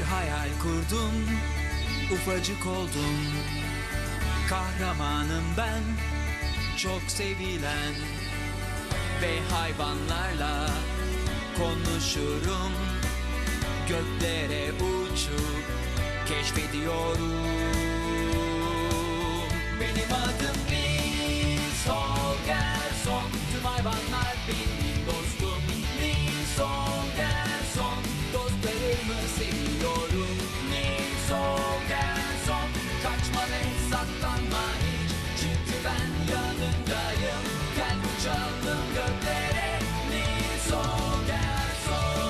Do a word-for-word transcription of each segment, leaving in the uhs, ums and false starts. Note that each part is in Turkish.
hayal kurdum, ufacık oldum. Kahramanım ben, çok sevilen. Ve hayvanlarla konuşurum. Göklere uçup keşfediyorum. Benim adım Nils Holgersson. Tüm hayvanlar benim dostum. Nils Holgersson. Dostlarımı seviyorum. Nils Holgersson. Kaçma ve saklanma hiç. Çünkü ben yanındayım. Gel uçalım göklere. Nils Holgersson.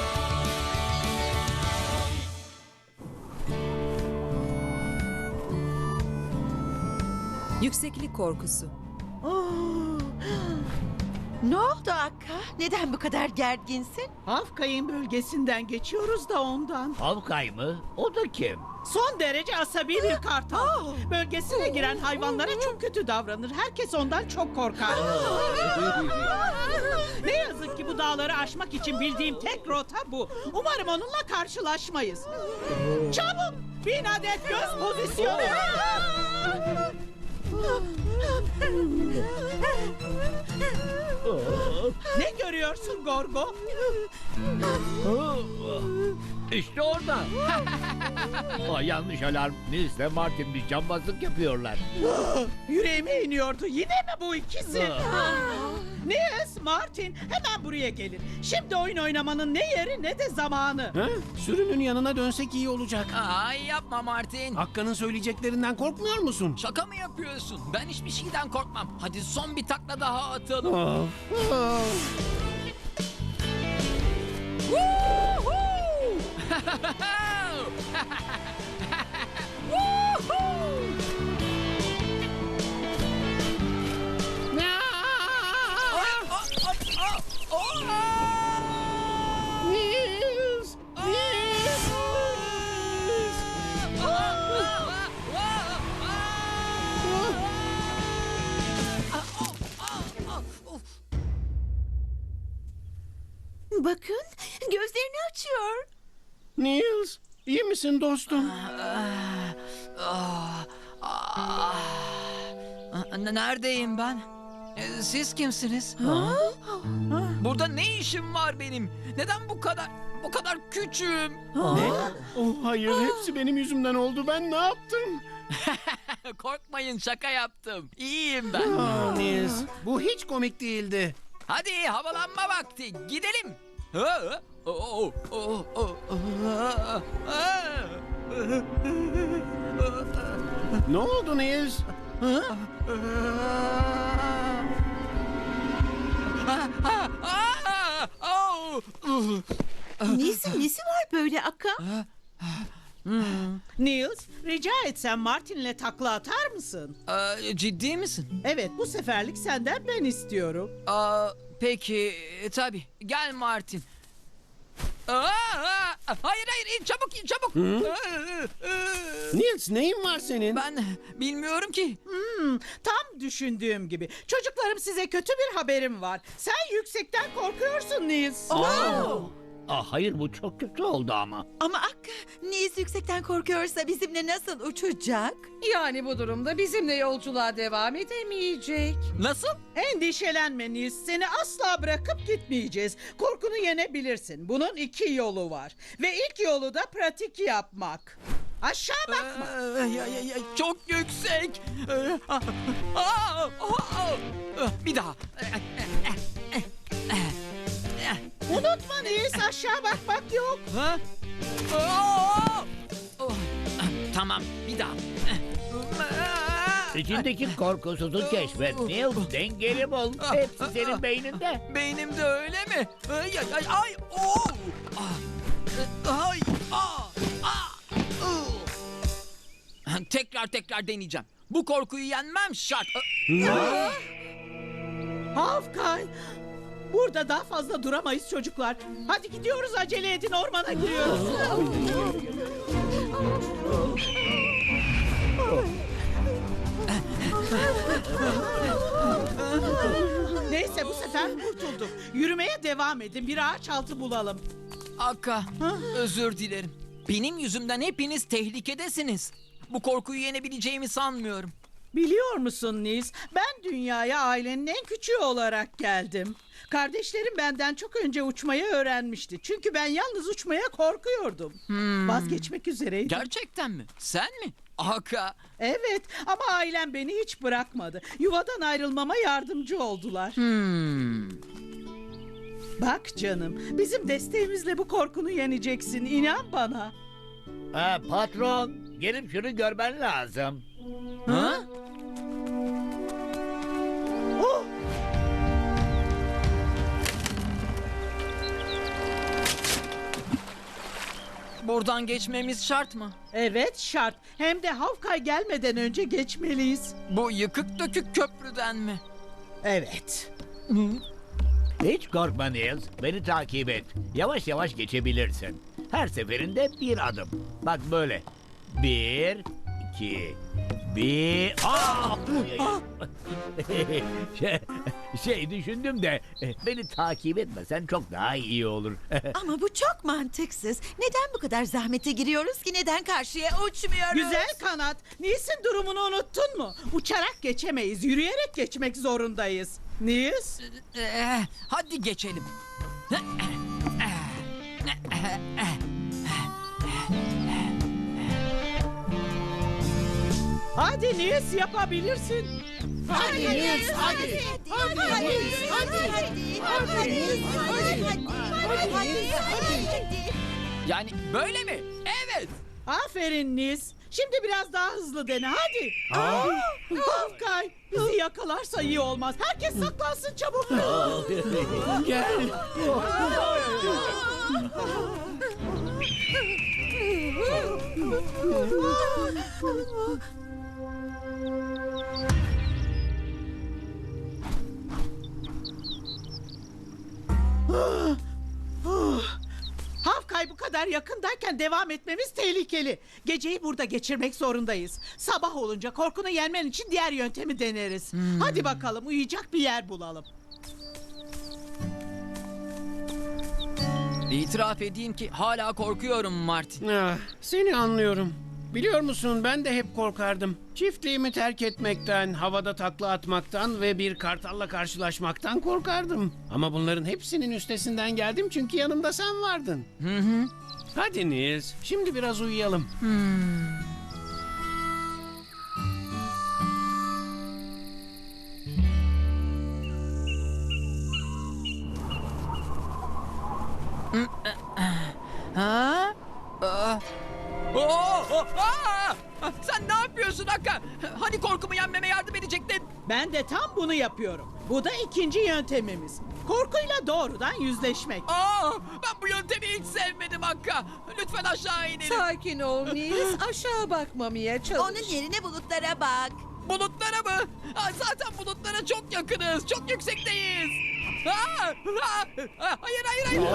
Yükseklik korkusu. Oo. Ne oldu Akka? Neden bu kadar gerginsin? Hafkay'ın bölgesinden geçiyoruz da ondan. Havkay mı? O da kim? Son derece asabi bir kartal. Bölgesine giren hayvanlara çok kötü davranır. Herkes ondan çok korkar. Ne yazık ki bu dağları aşmak için bildiğim tek rota bu. Umarım onunla karşılaşmayız. Çabuk! Bin adet göz pozisyonu. Ne görüyorsun Gorgo? İşte orada. Aa, yanlış alarm. Nils'le Martin bir cambazlık yapıyorlar. Yüreğime iniyordu. Yine mi bu ikisi? Nils, Martin hemen buraya gelin. Şimdi oyun oynamanın ne yeri ne de zamanı. Ha? Sürünün yanına dönsek iyi olacak. Ay yapma Martin. Hakkı'nın söyleyeceklerinden korkmuyor musun? Şaka mı yapıyorsun? Ben hiçbir şeyden korkmam. Hadi son bir takla daha atalım. Of, of. Nils! Nils! Bakın, gözlerini açıyor. Nils! İyi misin dostum? N- Neredeyim ben? E, Siz kimsiniz? Burada ne işim var benim? Neden bu kadar bu kadar küçüğüm? Ne? Oh hayır, hepsi benim yüzümden oldu. Ben ne yaptım? Korkmayın, şaka yaptım. İyiyim ben. Aa, Nils, bu hiç komik değildi. Hadi havalanma vakti. Gidelim. Ha? Oh, oh, oh, oh. Ne oldu Nils? Ha? Nesi, nesi var böyle Akka? Nils, rica etsem Martin'le takla atar mısın? Aa, ciddi misin? Evet, bu seferlik senden ben istiyorum. Aa, peki tabii. Gel Martin. Aa, aa, hayır hayır in çabuk in çabuk. Nils, neyin var senin? Ben bilmiyorum ki. Hmm, tam düşündüğüm gibi. Çocuklarım, size kötü bir haberim var. Sen yüksekten korkuyorsun Nils. Ah, hayır, bu çok kötü oldu ama. Ama Akka, Nils yüksekten korkuyorsa bizimle nasıl uçacak? Yani bu durumda bizimle yolculuğa devam edemeyecek. Nasıl? Endişelenme Nils, seni asla bırakıp gitmeyeceğiz. Korkunu yenebilirsin. Bunun iki yolu var. Ve ilk yolu da pratik yapmak. Aşağı bakma. Aa, ya, ya, ya, çok yüksek. Aa, aa, aa, bir daha. Unutma Nils, aşağı bakmak yok. Ha? Aa! Oh, tamam, bir daha. İçindeki korkusuzu keşfet Nils. Dengeli bul. Hepsi senin beyninde. Beynimde öyle mi? Ay ay ay ay. Oh! Ah, ay, ah, ah, uh. Tekrar tekrar deneyeceğim. Bu korkuyu yenmem şart. Hafkay. Burada daha fazla duramayız çocuklar. Hadi gidiyoruz, acele edin, ormana giriyoruz. Neyse, bu sefer kurtulduk. Yürümeye devam edin, bir ağaç altı bulalım. Akka, özür dilerim. Benim yüzümden hepiniz tehlikedesiniz. Bu korkuyu yenebileceğimi sanmıyorum. Biliyor musun Nils? Ben dünyaya ailenin en küçüğü olarak geldim. Kardeşlerim benden çok önce uçmayı öğrenmişti. Çünkü ben yalnız uçmaya korkuyordum. Vazgeçmek üzereydim. Gerçekten mi? Sen mi? Aka. Evet ama ailem beni hiç bırakmadı. Yuvadan ayrılmama yardımcı oldular. Hmm. Bak canım, bizim desteğimizle bu korkunu yeneceksin. İnan bana. Ha, patron, gelip şunu görmen lazım. Ha? Oh! Buradan geçmemiz şart mı? Evet şart. Hem de Hawkeye gelmeden önce geçmeliyiz. Bu yıkık dökük köprüden mi? Evet. Hiç korkma Niels, beni takip et. Yavaş yavaş geçebilirsin. Her seferinde bir adım. Bak böyle. Bir, iki, bir... Aa! şey, şey düşündüm de beni takip etmesen çok daha iyi olur. Ama bu çok mantıksız. Neden bu kadar zahmete giriyoruz ki? Neden karşıya uçmuyoruz? Güzel kanat. Nils'in durumunu unuttun mu? Uçarak geçemeyiz. Yürüyerek geçmek zorundayız. Nils? Ee, hadi geçelim. Hadi Nils yapabilirsin. Hadi Nils, hadi. Hadi hadi hadi hadi hadi hadi hadi. Yani böyle mi? Evet. Aferin Nils. Şimdi biraz daha hızlı dene hadi. Hawkeye bizi yakalarsa iyi olmaz. Herkes saklansın çabuk. Gel. Hawkeye bu kadar yakındayken devam etmemiz tehlikeli. Geceyi burada geçirmek zorundayız. Sabah olunca korkunu yenmen için diğer yöntemi deneriz. Hadi bakalım uyuyacak bir yer bulalım. İtiraf edeyim ki hala korkuyorum Martin. Ah, seni anlıyorum. Biliyor musun ben de hep korkardım. Çiftliğimi terk etmekten, havada takla atmaktan ve bir kartalla karşılaşmaktan korkardım. Ama bunların hepsinin üstesinden geldim çünkü yanımda sen vardın. Hı hı. Hadi Nils, şimdi biraz uyuyalım. Ha? Aa. Oo, oo, aa! Sen ne yapıyorsun Akka? Hani korkumu yenmeme yardım edecektin? Ben de tam bunu yapıyorum. Bu da ikinci yöntemimiz. Korkuyla doğrudan yüzleşmek. Aa, ben bu yöntemi hiç sevmedim Akka. Lütfen aşağı inelim. Sakin ol Nils. Aşağı bakmamaya çalış. Onun yerine bulutlara bak. Bulutlara mı? Aa, zaten bulutlara çok yakınız. Çok yüksekteyiz. Aa, aa, aa, hayır hayır hayır.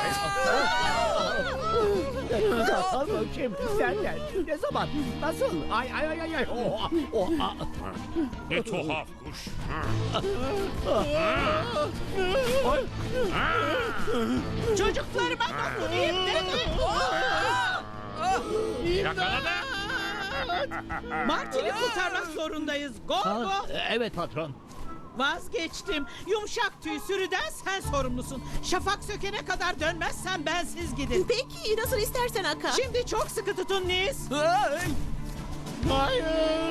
Aa! Kim? Nereden? Ne zaman? Nasıl? Ay ay ay ay ay. Oh, oh, ah. Ne tuhaf kuş. Çocuklarıma dokunayım dedim. Yakaladı. Martin'i kurtarmak zorundayız. Go go. Evet patron. Vazgeçtim. Yumuşak tüy sürüden sen sorumlusun. Şafak sökene kadar dönmezsen bensiz gidin. Peki nasıl istersen Aka. Şimdi çok sıkı tutun Nils. Ay! Hayır.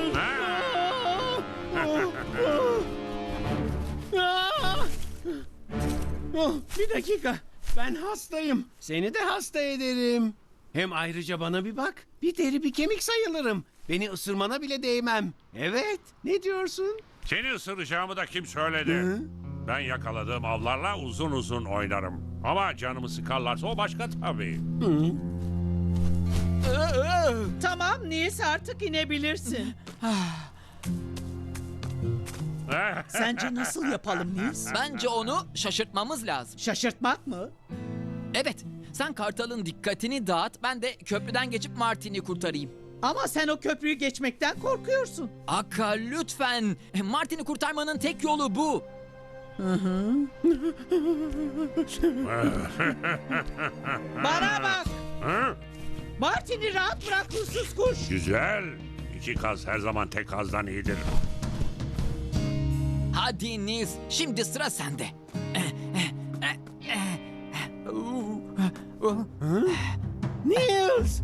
Ah! Oh, bir dakika. Ben hastayım. Seni de hasta ederim. Hem ayrıca bana bir bak. Bir deri bir kemik sayılırım. Beni ısırmana bile değmem. Evet. Ne diyorsun? Seni ısıracağımı da kim söyledi? Ben yakaladığım avlarla uzun uzun oynarım. Ama canımı sıkarlarsa o başka tabii. Tamam Nils artık inebilirsin. Sence nasıl yapalım Nils? Bence onu şaşırtmamız lazım. Şaşırtmak mı? Evet, sen Kartal'ın dikkatini dağıt, ben de köprüden geçip Martin'i kurtarayım. Ama sen o köprüyü geçmekten korkuyorsun. Akka lütfen, Martin'i kurtarmanın tek yolu bu. Bana bak. Hı? Martin'i rahat bırak huysuz kuş. Güzel. İki kaz her zaman tek kazdan iyidir. Hadi Nils, şimdi sıra sende. Niels!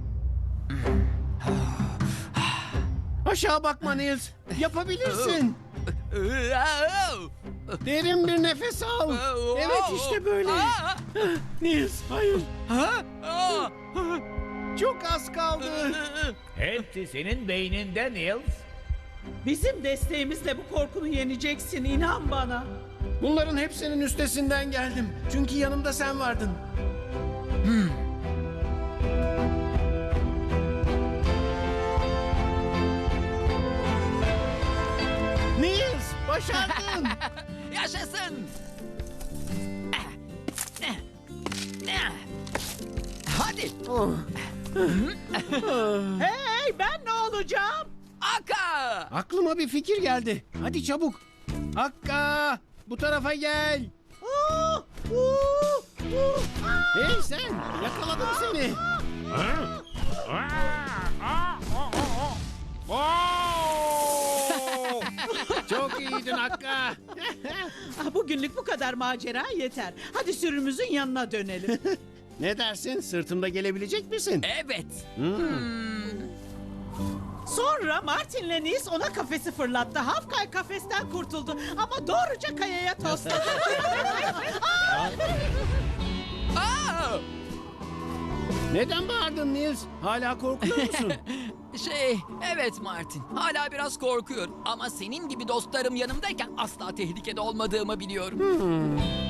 Aşağı bakma Niels. Yapabilirsin. Derin bir nefes al. Evet işte böyle. Niels hayır. Çok az kaldı. Hepsi senin beyninde Niels. Bizim desteğimizle bu korkunu yeneceksin, inan bana. Bunların hepsinin üstesinden geldim. Çünkü yanımda sen vardın. Niels başardın. Yaşasın. Hadi. Hey, ben ne olacağım? Aka. Aklıma bir fikir geldi. Hadi çabuk. Hakka bu tarafa gel. Aa, uu, uu, aa. Hey sen yakaladım seni. Ha? Aa, aa, o, o, o. Oo! Çok iyiydin Hakka. Ah, bugünlük bu kadar macera yeter. Hadi sürümüzün yanına dönelim. Ne dersin? Sırtımda gelebilecek misin? Evet. Sonra Martin'le Nils ona kafesi fırlattı. Hafkay kafesten kurtuldu ama doğruca kayaya tosladı. Aa! Neden bağırdın Niels? Hala korkuyor musun? Şey, evet Martin. Hala biraz korkuyorum. Ama senin gibi dostlarım yanımdayken asla tehlikede olmadığımı biliyorum.